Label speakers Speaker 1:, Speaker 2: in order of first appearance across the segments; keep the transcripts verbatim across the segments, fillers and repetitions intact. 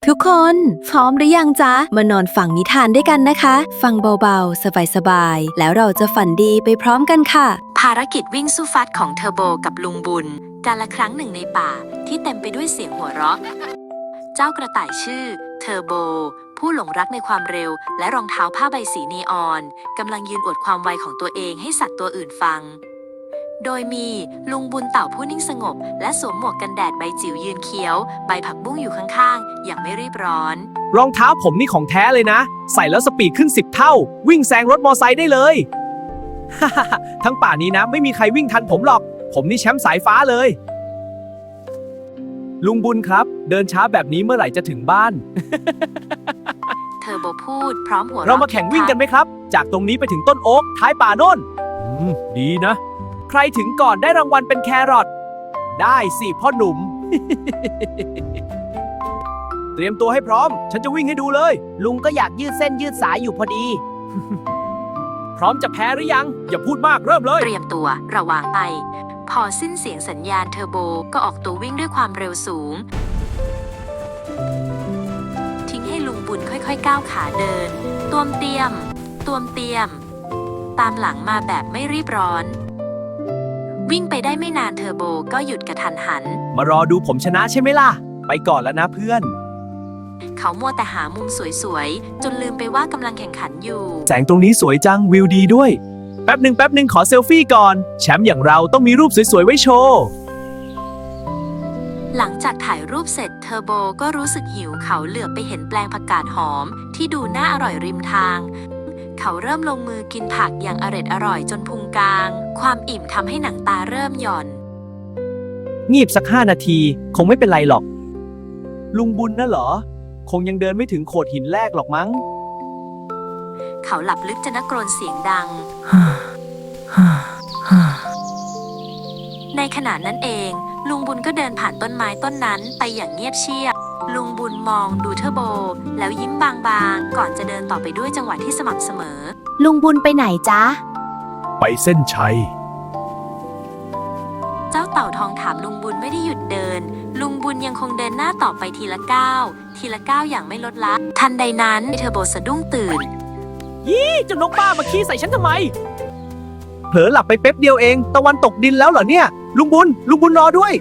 Speaker 1: ทุกคนพร้อมหรือยังจ๊ะมานอนฟังนิทานด้วยกันนะคะ ฟังเบาๆสบายๆแล้วเราจะฝันดีไปพร้อมกันค่ะ
Speaker 2: ภารกิจวิ่งสู้ฟัดของเทอร์โบกับลุงบุญกาลครั้งหนึ่งในป่าที่เต็มไปด้วยเสียงหัวเราะเจ้ากระต่ายชื่อเทอร์โบผู้หลงรักในความเร็วและรองเท้าผ้าใบสีนีออนกำลังยืนอวดความไวของตัวเองให้สัตว์ตัวอื่นฟังโดยมีลุงบุญเต่าผู้นิ่งสงบและสวมหมวกกันแดดใบจิ๋วยืนเคี้ยวใบผักบุ้งอยู่ข้างๆอย่างไม่รีบร้อน
Speaker 3: รองเท้าผมนี่ของแท้เลยนะใส่แล้วสปีดขึ้นสิบเท่าวิ่งแซงรถมอไซค์ได้เลย ทั้งป่านี้นะไม่มีใครวิ่งทันผมหรอกผมนี่แชมป์สายฟ้าเลยลุงบุญครับเดินช้าแบบนี้เมื่อไหร่จะถึงบ้าน
Speaker 2: เทอร์โบพูดพร้อมหัวเราะ
Speaker 3: เรามาแข่งวิ่งกันไหมครับจากตรงนี้ไปถึงต้นโอ๊กท้ายป่าโน่นดีนะใครถึงก่อนได้รางวัลเป็นแครอทได้สิพ่อหนุ่ม เตรียมตัวให้พร้อมฉันจะวิ่งให้ดูเลยลุงก็อยากยืดเส้นยืดสายอยู่พอดี พร้อมจะแพ้หรือยังอย่าพูดมากเริ่มเลย
Speaker 2: เตรียมตัวระวังไปพอสิ้นเสียงสัญญาณเทอร์โบก็ออกตัววิ่งด้วยความเร็วสูงทิ้งให้ลุงบุญค่อยๆก้าวขาเดินตวมเตียมตวมเตียมตามหลังมาแบบไม่รีบร้อนวิ่งไปได้ไม่นานเทอร์โบก็หยุดกระทันหัน
Speaker 3: มารอดูผมชนะใช่ไหมล่ะไปก่อนแล้วนะเพื่อน
Speaker 2: เขามัวแต่หามุมสวยๆจนลืมไปว่ากำลังแข่งขันอยู่
Speaker 3: แสงตรงนี้สวยจังวิวดีด้วยแป๊บหนึ่งแป๊บหนึ่งขอเซลฟี่ก่อนแชมป์อย่างเราต้องมีรูปสวยๆไว้โชว์
Speaker 2: หลังจากถ่ายรูปเสร็จเทอร์โบก็รู้สึกหิวเขาเหลือบไปเห็นแปลงผักกาดหอมที่ดูน่าอร่อยริมทางเขาเริ่มลงมือกินผักอย่างอร็ดอร่อยจนพุงกลางความอิ่มทำให้หนังตาเริ่มหย่อน
Speaker 3: งีบสักห้านาทีคงไม่เป็นไรหรอกลุงบุญน่ะเหรอคงยังเดินไม่ถึงโขดหินแรกหรอกมั้ง
Speaker 2: เขาหลับลึกจนนักกรนเสียงดัง ในขณะนั้นเองลุงบุญก็เดินผ่านต้นไม้ต้นนั้นไปอย่างเงียบเชียบลุงบุญมองดูเทอร์โบแล้วยิ้มบางๆก่อนจะเดินต่อไปด้วยจังหวะที่สม่ำเสมอ
Speaker 1: ลุงบุญไปไหนจ๊ะ
Speaker 3: ไปเส้นชัย
Speaker 2: เจ้าเต่าทองถามลุงบุญไม่ได้หยุดเดินลุงบุญยังคงเดินหน้าต่อไปทีละก้าวทีละก้าวอย่างไม่ลดละทันใดนั้นเทอร์โบสะดุ้งตื่น
Speaker 3: ยี่เจ้านกบ้ามาขี้ใส่ฉันทำไมเผลอหลับไปเป๊บเดียวเองตะวันตกดินแล้วเหรอเนี่ยลุงบุญลุงบุญรอด้วย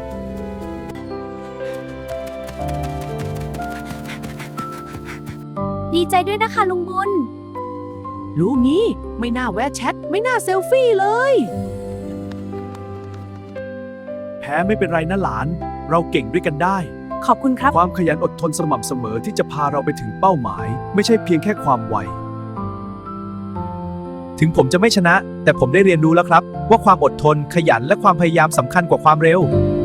Speaker 1: ดีใจด้วยนะคะลุงบุญ
Speaker 3: รู้งี้ไม่น่าแวะแชทไม่น่าเซลฟี่เลยแพ้ไม่เป็นไรนะหลานเราเก่งด้วยกันได้
Speaker 1: ขอบคุณครับ
Speaker 3: ความขยันอดทนสม่ำเสมอที่จะพาเราไปถึงเป้าหมายไม่ใช่เพียงแค่ความไวถึงผมจะไม่ชนะแต่ผมได้เรียนรู้แล้วครับว่าความอดทนขยันและความพยายามสำคัญกว่าความเร็ว